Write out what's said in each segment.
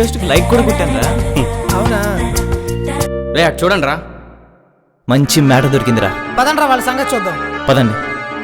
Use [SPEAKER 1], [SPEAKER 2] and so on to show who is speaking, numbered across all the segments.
[SPEAKER 1] రిక్వెస్ట్కి like కూడా కొట్టాను రా.
[SPEAKER 2] అవునా?
[SPEAKER 3] రే అటు చూడండి రా.
[SPEAKER 1] మంచి మేడ దొరికిందిరా.
[SPEAKER 2] పదండ్రా వాళ్ళ సంగతి చూద్దాం.
[SPEAKER 1] పదండి.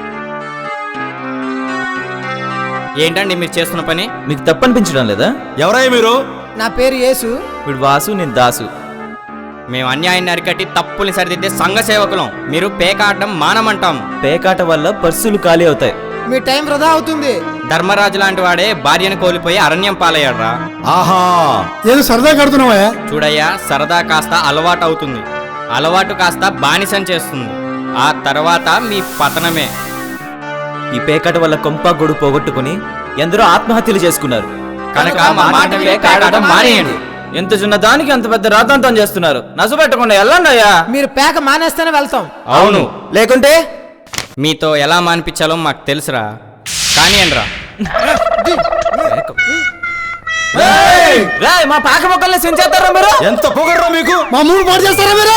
[SPEAKER 3] ఏంటండి మీరు చేస్తున్న పని?
[SPEAKER 1] మీకు తప్పనిపించడం లేదా?
[SPEAKER 4] ఎవరయ్య మీరు?
[SPEAKER 2] నా పేరు యేసు.
[SPEAKER 1] వీడు వాసు, నేను దాసు.
[SPEAKER 3] మేము అన్యాయాన్ని అరికట్టి తప్పుల్ని సరిదిద్దే సంఘ సేవకులం. మీరు పేకాడడం మానమంటాం.
[SPEAKER 1] పేకాట వల్ల పర్సులు ఖాళీ అవుతాయి.
[SPEAKER 2] మీ టైం వృధా అవుతుంది.
[SPEAKER 3] ధర్మరాజు లాంటి వాడే భార్యను కోల్పోయి అరణ్యం పాలయ్యాడ్రా.
[SPEAKER 4] ఆహా,
[SPEAKER 5] ఏదో సరదా కడుతున్నావా?
[SPEAKER 3] చూడయ్యా, సరదా కాస్త అలవాటు అవుతుంది, అలవాటు కాస్త బానిసం చేస్తుంది, ఆ తర్వాత మీ పతనమే.
[SPEAKER 1] ఈ పేకాట వల్ల కొంప గొడు పోగొట్టుకుని ఎందరో ఆత్మహత్యలు చేసుకున్నారు.
[SPEAKER 3] కనుక మా మాట పేకాడడం మానేయండి.
[SPEAKER 1] ఎంత చిన్న దానికి అంత పెద్ద రాతంతం చేస్తున్నారు. నసు పెట్టకుండా వెళ్ళండి అయ్యా.
[SPEAKER 2] మీరు పేక మానేస్తేనే వెళ్తాం.
[SPEAKER 3] అవును,
[SPEAKER 1] లేకుంటే
[SPEAKER 3] మీతో ఎలా మానిపించాలో మాకు తెలుసురా. కానీ అనరా,
[SPEAKER 1] మా పాక మొక్కల్ని సించేస్తారా మీరు?
[SPEAKER 4] ఎంత పొగడ్రా మీకు?
[SPEAKER 5] మా మూడు పాటు చేస్తారా మీరు?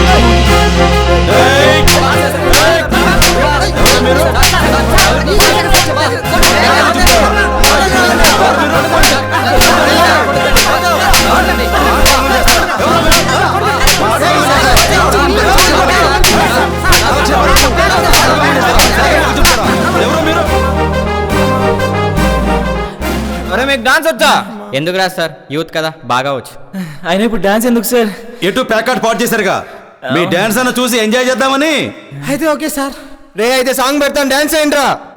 [SPEAKER 1] అరే మీకు డాన్స్ వచ్చా?
[SPEAKER 3] ఎందుకు రా సార్, యూత్ కదా, బాగా వచ్చు.
[SPEAKER 1] ఆయన ఇప్పుడు డాన్స్ ఎందుకు సార్?
[SPEAKER 4] ఎటు ప్యాకెట్ పాటు చేశారుగా, మీ డాన్స్ అన్న చూసి ఎంజాయ్ చేద్దామని.
[SPEAKER 2] అయితే ఓకే సార్.
[SPEAKER 1] రే అయితే సాంగ్ పెడతాను, డాన్స్ అయ్యండి రా.